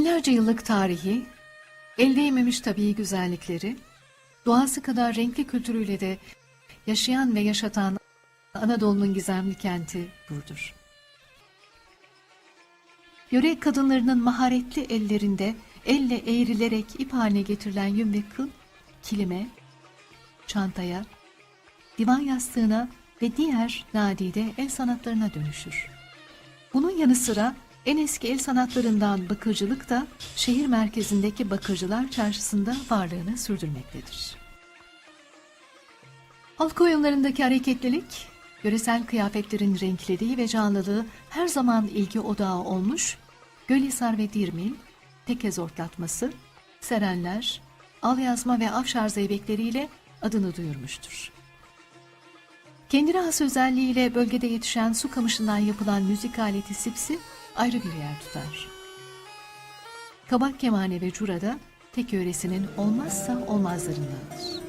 Binlerce yıllık tarihi, el değmemiş tabii güzellikleri, doğası kadar renkli kültürüyle de yaşayan ve yaşatan Anadolu'nun gizemli kenti Burdur. Yöre kadınlarının maharetli ellerinde elle eğrilerek ip haline getirilen yün ve kıl, kilime, çantaya, divan yastığına ve diğer nadide el sanatlarına dönüşür. Bunun yanı sıra en eski el sanatlarından bakırcılık da şehir merkezindeki Bakırcılar Çarşısı'nda varlığını sürdürmektedir. Halk oyunlarındaki hareketlilik, yöresel kıyafetlerin renkliliği ve canlılığı her zaman ilgi odağı olmuş, Gölhisar ve Dirmil, Tekez ortlatması, Serenler, Alyazma ve Afşar zeybekleriyle adını duyurmuştur. Kendine has özelliğiyle bölgede yetişen su kamışından yapılan müzik aleti sipsi ayrı bir yer tutar. Kabak kemane ve cura da tek yöresinin olmazsa olmazlarındandır.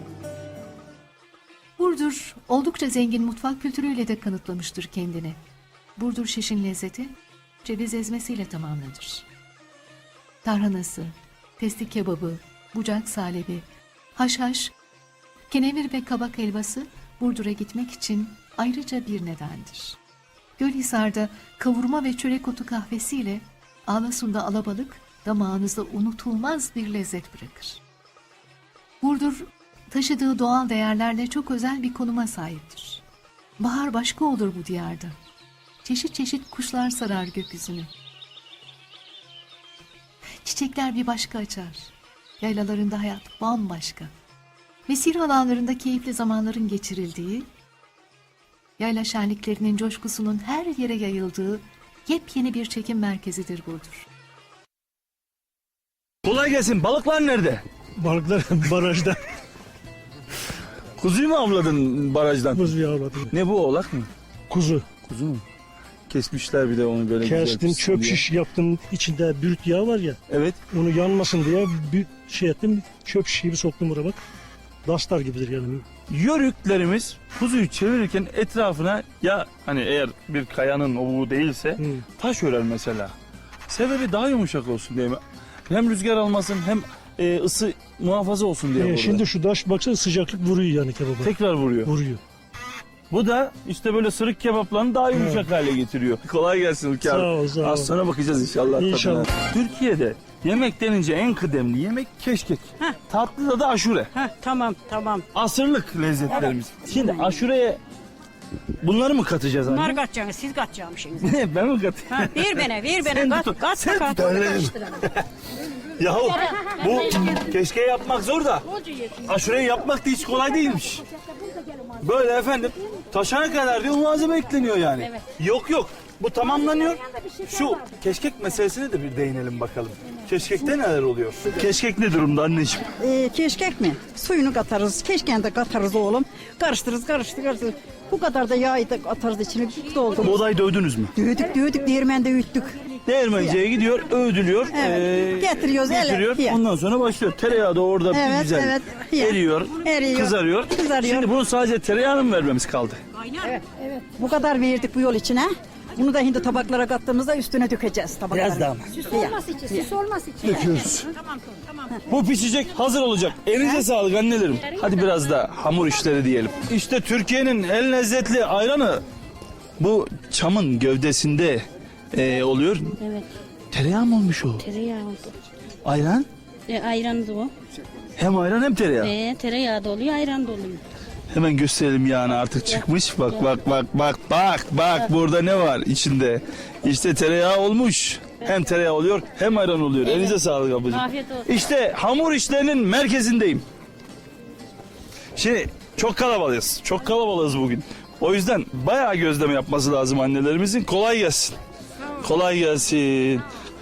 Burdur oldukça zengin mutfak kültürüyle de kanıtlamıştır kendini. Burdur şişin lezzeti ceviz ezmesiyle tamamlanır. Tarhanası, testi kebabı, bucak salebi, haşhaş, kenevir ve kabak helvası Burdur'a gitmek için ayrıca bir nedendir. Gölhisar'da kavurma ve çörek otu kahvesiyle Ağlasun'da alabalık damağınızda unutulmaz bir lezzet bırakır. Burdur taşıdığı doğal değerlerle çok özel bir konuma sahiptir. Bahar başka olur bu diyarda. Çeşit çeşit kuşlar sarar gökyüzünü. Çiçekler bir başka açar. Yaylalarında hayat bambaşka. Mesire alanlarında keyifli zamanların geçirildiği, yayla şenliklerinin coşkusunun her yere yayıldığı yepyeni bir çekim merkezidir Burdur. Kolay gelsin. Balıklar nerede? Balıklar barajda. Kuzuyu mu avladın barajdan? Kuzuyu avladım. Ne bu, oğlak mı? Kuzu. Kuzu mu? Kesmişler bir de onu böyle güzel Kestim, pişsin çöp diye. şiş yaptım. İçinde bürüt yağı var ya. Evet. Onu yanmasın diye bir şey ettim. Çöp şişi bir soktum buraya bak. Dastar gibidir yani. Yörüklerimiz kuzuyu çevirirken etrafına ya hani eğer bir kayanın ovuğu değilse taş örer mesela. Sebebi daha yumuşak olsun diye mi? Hem rüzgar almasın hem ısı muhafaza olsun diye burada. Şimdi şu taş baksana sıcaklık vuruyor yani kebaba. Tekrar vuruyor. Vuruyor. Bu da işte böyle sırık kebaplarını daha yumuşak hale getiriyor. Kolay gelsin Ülke abi. Sağ ol, sağ ol. Az sonra bakacağız inşallah. İnşallah. tadına. Türkiye'de yemek denince en kıdemli yemek keşkek. Tatlı da aşure. Tamam. Asırlık lezzetlerimiz. Şimdi aşureye bunları mı katacağız anne? Bunlar kaçacaksınız, siz kaçacakmışsınız. Ne, ben mi katayım? Ha, ver Sen bana, tut. kat Sen kat. tut, öyle. Yahu bu keşke yapmak zor da aşureyi yapmak da hiç kolay değilmiş. Böyle efendim taşana kadar diyor malzeme ekleniyor yani. Yok bu tamamlanıyor. Şu keşkek meselesine de bir değinelim bakalım. Keşkekte neler oluyor? Keşkek ne durumda anneciğim? Keşkek mi? Suyunu katarız, keşkeğini de katarız oğlum. Karıştırırız. Bu kadar da yağı da atarız içine doldur. Buğday dövdünüz mü? Dövdük, değirmende üyüttük. Değirmenciye gidiyor, öğüdülüyor. Evet, getiriyoruz, getiriyor. ele. Ondan sonra başlıyor. Tereyağı da orada bir Evet, güzel evet. Ya. eriyor, kızarıyor. Kızarıyor. Şimdi bunu sadece tereyağını mı vermemiz kaldı? Bu kadar verdik bu yol içine. Bunu da şimdi tabaklara kattığımızda üstüne dökeceğiz tabaklara. Biraz daha mı? Süs olması için. Döküyoruz. Bu pişecek, hazır olacak. Elinize sağlık annelerim. Hadi biraz da hamur işleri diyelim. İşte Türkiye'nin en lezzetli ayranı bu çamın gövdesinde oluyor. Evet. Tereyağı mı olmuş o? Tereyağı oldu. Ayran? Ayran da o. Hem ayran hem tereyağı. Tereyağı da oluyor, ayran da oluyor. Hemen gösterelim yağını artık çıkmış. Bak burada ne var içinde? İşte tereyağı olmuş. Hem tereyağı oluyor hem ayran oluyor. Evet. Elinize sağlık ablacığım. Afiyet olsun. İşte hamur işlerinin merkezindeyim. Şimdi çok kalabalığız. Çok kalabalığız bugün. O yüzden bayağı gözleme yapması lazım annelerimizin. Kolay gelsin. Kolay gelsin.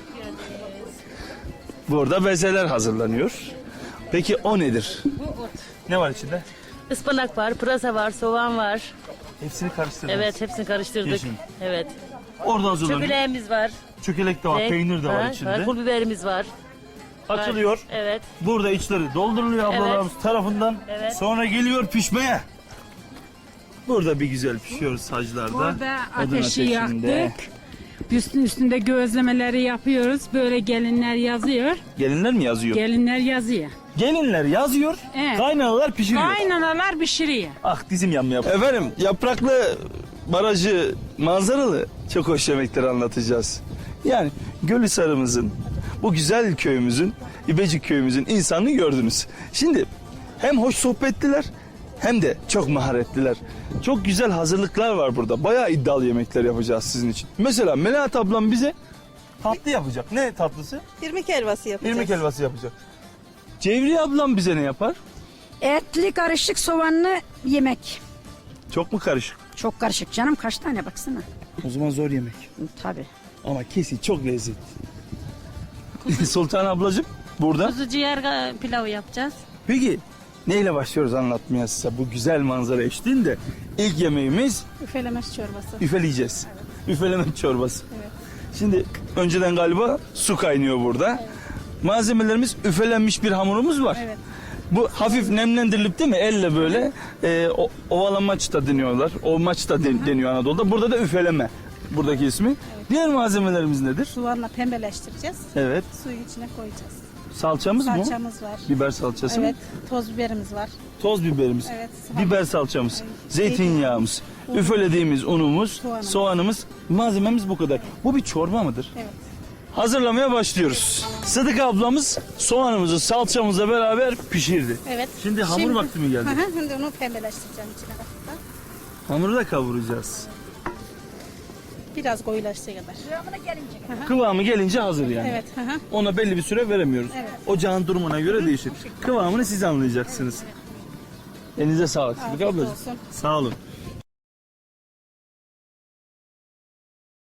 Burada bezeler hazırlanıyor. Peki o nedir? Bu ot. Ne var içinde? Ispanak var, pırasa var, soğan var. Hepsini karıştırdınız. Evet, hepsini karıştırdık. Yeşil. Evet. Orada hazırlanıyor. Çökeleğimiz var. Çökelek de var, peynir de var içinde. Pul biberimiz var. Açılıyor. Evet. Burada içleri dolduruluyor ablalarımız tarafından. Evet. Sonra geliyor pişmeye. Burada bir güzel pişiyoruz saclarda. Burada Odun ateşi ateşinde. yaktık. Üstünde gözlemeleri yapıyoruz. Böyle gelinler yazıyor. Gelinler mi yazıyor? Gelinler yazıyor. Gelinler yazıyor, Evet. kaynanalar pişiriyor. Kaynanalar pişiriyor. Ah dizim yanmıyor. Efendim yapraklı barajı manzaralı çok hoş yemekleri anlatacağız. Yani Gölhisar'ımızın, bu güzel köyümüzün, İbecik köyümüzün insanını gördünüz. Şimdi hem hoş sohbetliler hem de çok maharetliler. Çok güzel hazırlıklar var burada. Bayağı iddialı yemekler yapacağız sizin için. Mesela Melahat ablam bize tatlı yapacak. Ne tatlısı? İrmik helvası yapacağız. İrmik helvası yapacak. Cevriye ablam bize ne yapar? Etli karışık soğanlı yemek. Çok mu karışık? Çok karışık canım, kaç tane baksana. O zaman zor yemek. Tabii. Ama kesin çok lezzetli. Sultan ablacığım burada. Kuzu ciğer pilavı yapacağız. Peki neyle başlıyoruz anlatmaya size bu güzel manzara eşliğinde? İlk yemeğimiz Üfelemeş çorbası. üfeleyeceğiz. Üfeleme çorbası. Şimdi önceden galiba su kaynıyor burada. Malzemelerimiz üfelenmiş bir hamurumuz var. Evet. Bu hafif nemlendirilip değil mi? Elle böyle ovalamaç da deniyorlar. O maç da deniyor Anadolu'da. Burada da üfeleme. Buradaki ismi. Diğer malzemelerimiz nedir? Soğanla pembeleştireceğiz. Evet. Suyun içine koyacağız. Salçamız mı? Salçamız var. Biber salçası mı? Evet. Toz biberimiz var. Toz biberimiz. Evet. Biber salçamız. Zeytinyağımız. Üfelediğimiz unumuz. Soğanımız. Malzememiz bu kadar. Bu bir çorba mıdır? Evet. Hazırlamaya başlıyoruz. Sıdık ablamız soğanımızı salçamızla beraber pişirdi. Evet. Şimdi hamur vakti mi geldi? Hı hı, şimdi onu pembeleştireceğim içine kadar. Hamuru da kavuracağız. Biraz koyulaştığı kadar. Kıvamı gelince hazır yani. Evet. Hı hı. Ona belli bir süre veremiyoruz. Evet. Ocağın durumuna göre değişir. Kıvamını siz anlayacaksınız. Elinize sağlık Sıdık Afiyet ablacığım. olsun. Sağ olun.